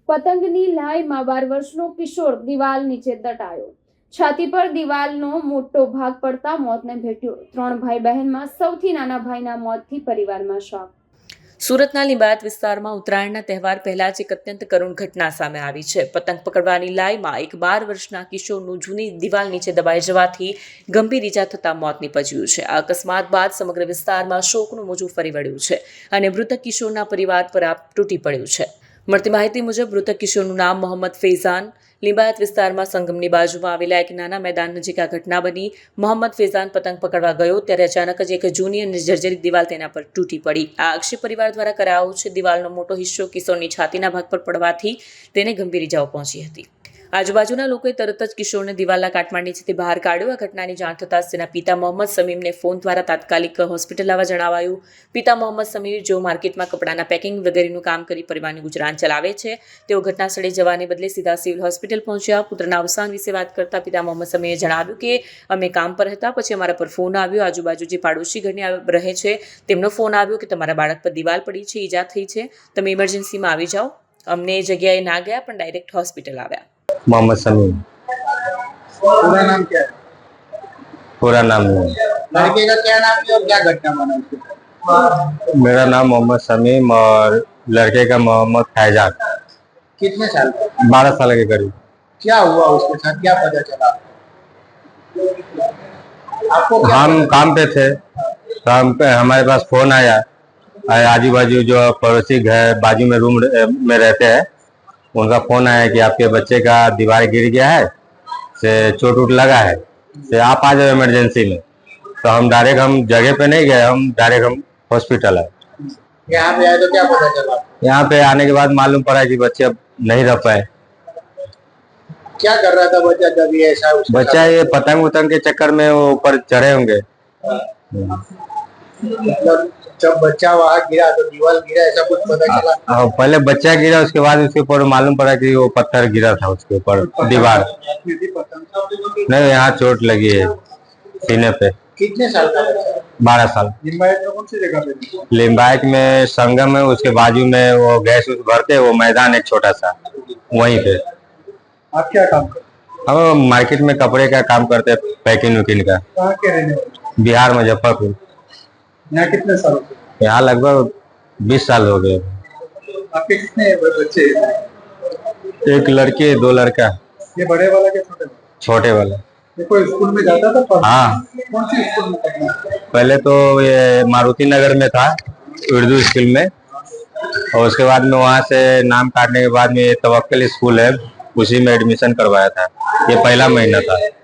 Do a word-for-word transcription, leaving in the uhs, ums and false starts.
પતંગની લાઈમાં બાર વર્ષનો કિશોર દિવાલ નીચે દટાયો. છાતી પર દિવાલનો મોટો ભાગ પડતા મોતને ભેટ્યો. ત્રણ ભાઈ બહેનમાં સૌથી નાના ભાઈના મોતથી પરિવારમાં શોક. સુરતના લીંબાયત વિસ્તારમાં ઉત્તરાયણના તહેવાર પહેલા જ એક અત્યંત કરુણ ઘટના સામે આવી છે. પતંગ પકડવાની લાઈમાં એક બાર વર્ષના કિશોરનું જૂની દિવાલ નીચે દબાઈ જવાથી ગંભીર ઈજા થતા મોત નીપજ્યું છે. આ અકસ્માત બાદ સમગ્ર વિસ્તારમાં શોકનું મોજું ફરી વળ્યું છે અને મૃતક કિશોરના પરિવાર પર આપ તૂટી પડ્યું છે. મળતી માહિતી મુજબ મૃતક કિશોરનું નામ મોહમ્મદ ફૈઝાન. લીંબાયત વિસ્તારમાં સંગમની બાજુમાં આવેલા એક નાના મેદાન નજીક આ ઘટના બની. મોહમ્મદ ફૈઝાન પતંગ પકડવા ગયો ત્યારે અચાનક જ એક જૂની અને જર્જરિત દિવાલ તેના પર તૂટી પડી. આ આક્ષેપ પરિવાર દ્વારા કરાયો છે. દિવાલનો મોટો હિસ્સો કિશોરની છાતીના ભાગ પર પડવાથી તેને ગંભીર ઇજાઓ પહોંચી હતી. આજુબાજુના લોકોએ તરત જ કિશોરને દિવાલના કાટમાળ નીચેથી બહાર કાઢ્યો. આ ઘટનાની જાણ થતાં તેના પિતા મોહમ્મદ સમીમને ફોન દ્વારા તાત્કાલિક હોસ્પિટલ લાવવા જણાવાયું. પિતા મોહમ્મદ સમીર જેઓ માર્કેટમાં કપડાના પેકિંગ વગેરેનું કામ કરી પરિવારનું ગુજરાન ચલાવે છે, તેઓ ઘટના સ્થળે જવાને બદલે સીધા સિવિલ હોસ્પિટલ પહોંચ્યા. પુત્રના અવસાન વિશે વાત કરતા પિતા મોહમ્મદ સમીરે જણાવ્યું કે અમે કામ પર હતા, પછી અમારા પર ફોન આવ્યો. આજુબાજુ જે પાડોશી ઘરની રહે છે તેમનો ફોન આવ્યો કે તમારા બાળક પર દિવાલ પડી છે, ઈજા થઈ છે, તમે ઇમરજન્સીમાં આવી જાઓ. અમને એ જગ્યાએ ના ગયા પણ ડાયરેક્ટ હોસ્પિટલ આવ્યા. मोहम्मद समीम। पूरा नाम क्या है? पूरा नाम नहीं। लड़के का क्या नाम है और क्या घटना बना उसके? मेरा नाम मोहम्मद समीम और लड़के का मोहम्मद फैजान। कितने साल का? बारह साल के करीब। क्या हुआ उसके साथ, क्या पता चला आपको? क्या हम काम पे थे तो हम पे हमारे पास फोन आया, आजू बाजू जो पड़ोसी घर बाजू में रूम में रहते हैं उनका फोन आया कि आपके बच्चे का दीवार गिर गया है, से चोट उट लगा है, से आप आ जाओ इमरजेंसी में। तो हम डायरेक्ट हम जगह पे नहीं गए, हम डायरेक्ट हम हॉस्पिटल आए। यहाँ पे आए तो क्या पता चला? यहाँ पे आने के बाद मालूम पड़ा कि बच्चे अब नहीं रह पाए। क्या कर रहा था बच्चा जब ये ऐसा उसके बच्चा ये पतंग उतंग के चक्कर में वो ऊपर चढ़े होंगे। मतलब जब बच्चा वहाँ गिरा तो दीवार गिरा, ऐसा कुछ पता चला? हाँ, पहले बच्चा गिरा, उसके बाद उसके ऊपर मालूम पड़ा कि वो पत्थर गिरा था उसके ऊपर दीवार। नहीं, यहाँ चोट लगी है सीने पे। कितने साल का बच्चा? बारह साल। लिंबायत में कौन सी जगह पे? लिंबायत में संगम है, उसके बाजू में वो गैस उस भरते, वो मैदान एक छोटा सा, वहीं पे। आप क्या काम करते? हम मार्केट में कपड़े का काम करते हैं, पैकिंग वैकिंग का। कहाँ के रहने वाले? बिहार मुजफ्फरपुर। यहाँ कितने साल से? यहाँ लगभग बीस साल हो गए। आपके कितने बच्चे? एक लड़की है, दो लड़का। ये बड़े वाला के छोटे वाला? छोटे वाला। ये कोई स्कूल में जाता था पढ़ने? हाँ, कौन सी स्कूल में पढ़ना? पहले तो ये मारुति नगर में था, उर्दू स्कूल में, और उसके बाद में वहाँ से नाम काटने के बाद में ये तवक्कल स्कूल है, उसी में एडमिशन करवाया था। ये पहला महीना था।